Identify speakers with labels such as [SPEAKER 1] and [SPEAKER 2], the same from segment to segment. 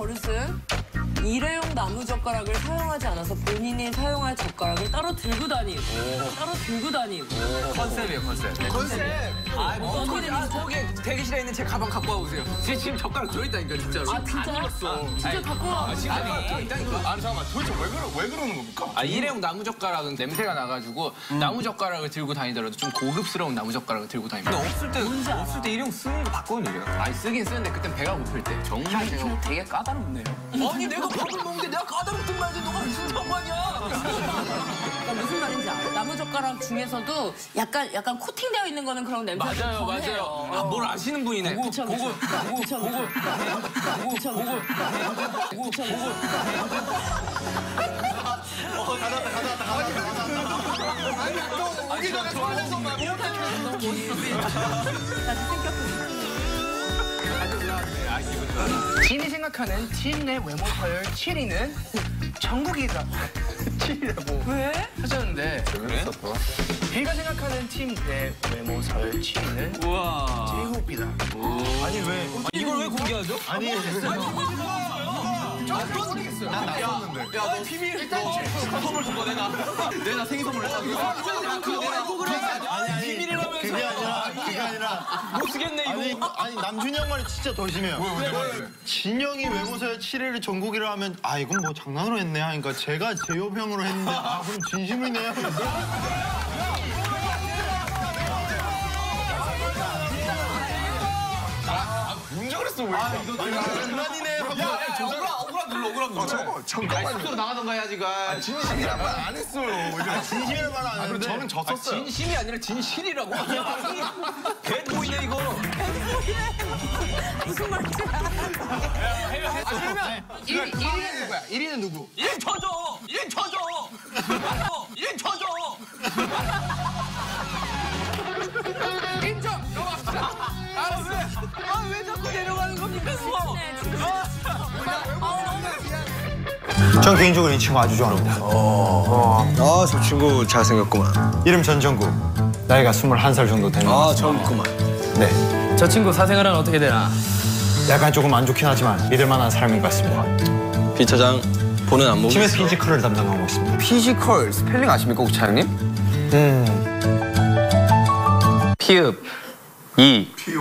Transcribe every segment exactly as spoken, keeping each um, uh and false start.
[SPEAKER 1] 어르신, 일회용 나무 젓가락을 사용하지 않아서 본인이 사용할 젓가락을 따로 들고 다님. 오. 따로 들고 다님.
[SPEAKER 2] 오. 컨셉이에요, 컨셉.
[SPEAKER 1] 네, 컨셉.
[SPEAKER 2] 아, 뭐 어떻게 아, 거기 대기실에 있는 제 가방 갖고 와보세요. 제 지금 젓가락 들어있다니까, 진짜로.
[SPEAKER 1] 아, 진짜요? 아, 진짜
[SPEAKER 2] 아니,
[SPEAKER 1] 갖고 와.
[SPEAKER 2] 아, 지금 들어있다니까.
[SPEAKER 3] 아니, 잠깐만. 도대체 왜, 그러, 왜 그러는 겁니까?
[SPEAKER 2] 아, 일회용 나무 젓가락은 냄새가 나가지고 음. 나무 젓가락을 들고 다니더라도 좀 고급스러운 나무 젓가락을 들고 다닙니다.
[SPEAKER 3] 근데 없을 때, 없을 때 일회용 쓰는 거 봤거든요.
[SPEAKER 2] 아니, 쓰긴 쓰는데 그땐 배가 고플 때. 정말 제가 되게 까다롭네요. 아니, 내가 밥을 먹는데 내가 까다롭든 말든 너가 무슨 상관이야?
[SPEAKER 1] 그러니까 무슨 말인지 알아. 나무 젓가락 중에서도 약간 약간 코팅되어 있는 거는 그런 냄새가
[SPEAKER 2] 맞아요, 맞아요. 아, 뭘 아시는 분이네. 고급,
[SPEAKER 1] 그쵸,
[SPEAKER 2] 고급,
[SPEAKER 1] 그쵸.
[SPEAKER 2] 고급,
[SPEAKER 1] 그쵸,
[SPEAKER 2] 고급, 고급,
[SPEAKER 1] 그쵸,
[SPEAKER 2] 고급,
[SPEAKER 1] 그쵸.
[SPEAKER 2] 고급,
[SPEAKER 1] 그쵸,
[SPEAKER 2] 고급.
[SPEAKER 3] 어, 가져왔다, 가져왔다, 가져왔다. 아니, 또 오기 전에 설레서 막 이렇게.
[SPEAKER 1] 다시 생겼거든요.
[SPEAKER 4] 진이 생각하는 진 내 외모 서열 칠 위는 정국이가 칠 위라고
[SPEAKER 1] 왜?
[SPEAKER 4] 하셨는데
[SPEAKER 3] 그래?
[SPEAKER 4] 비가 생각하는 팀 내 외모 서열 칠 위는
[SPEAKER 2] 우와.
[SPEAKER 4] 제이홉이다.
[SPEAKER 3] 아니, 왜?
[SPEAKER 2] 이걸 왜 공개하죠?
[SPEAKER 3] 아니,
[SPEAKER 2] 난 모르겠어요.
[SPEAKER 3] 난 나섰는데.
[SPEAKER 2] 야, 너 비밀 일단 선물 준 거 내가. 내가 생일 선물 했다.
[SPEAKER 3] 아니, 아니.
[SPEAKER 2] 비밀이라면서.
[SPEAKER 3] 그게 아니라, 그게 아니라.
[SPEAKER 2] 못 쓰겠네, 이거.
[SPEAKER 3] 아니, 아니 남준이 형 말이 진짜 더 심해요. 왜, 왜, 왜? 진영이 외모서열 칠 위를 전국이라 하면 아 이건 뭐 장난으로 했네 하니까 제가 제협 형으로 했는데 아 그럼 진심이네요. 문자 그랬어 왜? 아 이거 장난이네 하고. 야,
[SPEAKER 2] 억울하, 억울하 눌러, 억울하 눌러.
[SPEAKER 3] 잠깐만 잠깐만.
[SPEAKER 2] 스스로 나가던가 해야지, 가.
[SPEAKER 3] 진심이란 말 안 했어요. 아, 진심이란 말 안 했는데 저는 졌었어요.
[SPEAKER 2] 진심이 아니라 진실이라고. 개 보이네, 이거.
[SPEAKER 1] 무슨 말인지 알아.
[SPEAKER 2] 그러면
[SPEAKER 4] 일 위는 누구야? 일 위는 누구?
[SPEAKER 2] 일 인 쳐줘! 일 인 쳐줘! 일 인 쳐줘!
[SPEAKER 4] 인정! 넘어갑시다. 알았어.
[SPEAKER 2] 아, 왜 자꾸 내려가는 겁니까, 수호?
[SPEAKER 5] 전 개인적으로 이 친구 아주 좋아합니다.
[SPEAKER 6] 아, 저 친구 잘생겼구만.
[SPEAKER 5] 이름 전정구. 나이가 스물한 살 정도 되는 것
[SPEAKER 6] 아,
[SPEAKER 5] 같습니다.
[SPEAKER 6] 젊구만.
[SPEAKER 5] 네.
[SPEAKER 4] 저 친구 사생활은 어떻게 되나?
[SPEAKER 5] 약간 조금 안 좋긴 하지만 믿을 만한 사람인 것 같습니다.
[SPEAKER 6] 비 차장, 보는 안목이
[SPEAKER 5] 팀에서 피지컬을 담당하고 있습니다.
[SPEAKER 6] 피지컬, 스펠링 아십니까, 혹시 차장님?
[SPEAKER 5] 음.
[SPEAKER 7] 피읍 이 피읍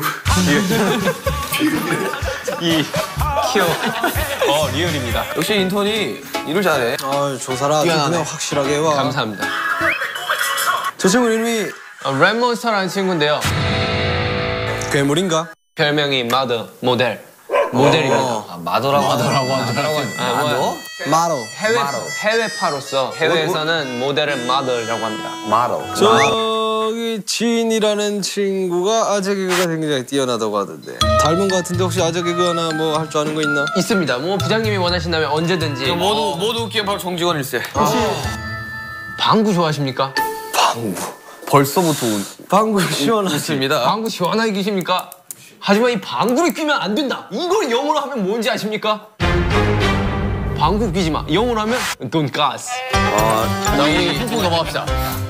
[SPEAKER 7] 이 키업 어 리얼입니다.
[SPEAKER 6] 역시 인턴이 일을 잘해. 아, 조사라 아주 그냥 확실하게 해와.
[SPEAKER 7] 감사합니다.
[SPEAKER 6] 저 친구 이름이
[SPEAKER 7] 어, 랩몬스터라는 친구인데요.
[SPEAKER 6] 괴물인가?
[SPEAKER 7] 별명이 마더 모델 모델입니다.
[SPEAKER 6] 아, 마더라고 하더라고 하더라고.
[SPEAKER 7] 아, 뭐,
[SPEAKER 6] 마더.
[SPEAKER 7] 해외 해외파로서 해외에서는 모델을 마더라고 합니다.
[SPEAKER 6] 마더. 저기 진이라는 친구가 아재 개그가 굉장히 뛰어나다고 하던데. 닮은 것 같은데 혹시 아재 개그 하나 뭐 할 줄 아는 거 있나?
[SPEAKER 7] 있습니다. 뭐 부장님이 원하신다면 언제든지.
[SPEAKER 6] 모두 모두 웃기엔 바로 정직원 일세.
[SPEAKER 7] 혹시 방구 좋아하십니까?
[SPEAKER 6] 방구. 벌써부터 방구 시원하십니다.
[SPEAKER 7] 방구 시원하게 끼십니까? 하지만 이 방구를 끼면 안 된다. 이걸 영어로 하면 뭔지 아십니까? 방구 끼지 마. 영어로 하면 돈가스.
[SPEAKER 6] 아,
[SPEAKER 7] 자, 우리 훅훅 넘어갑시다.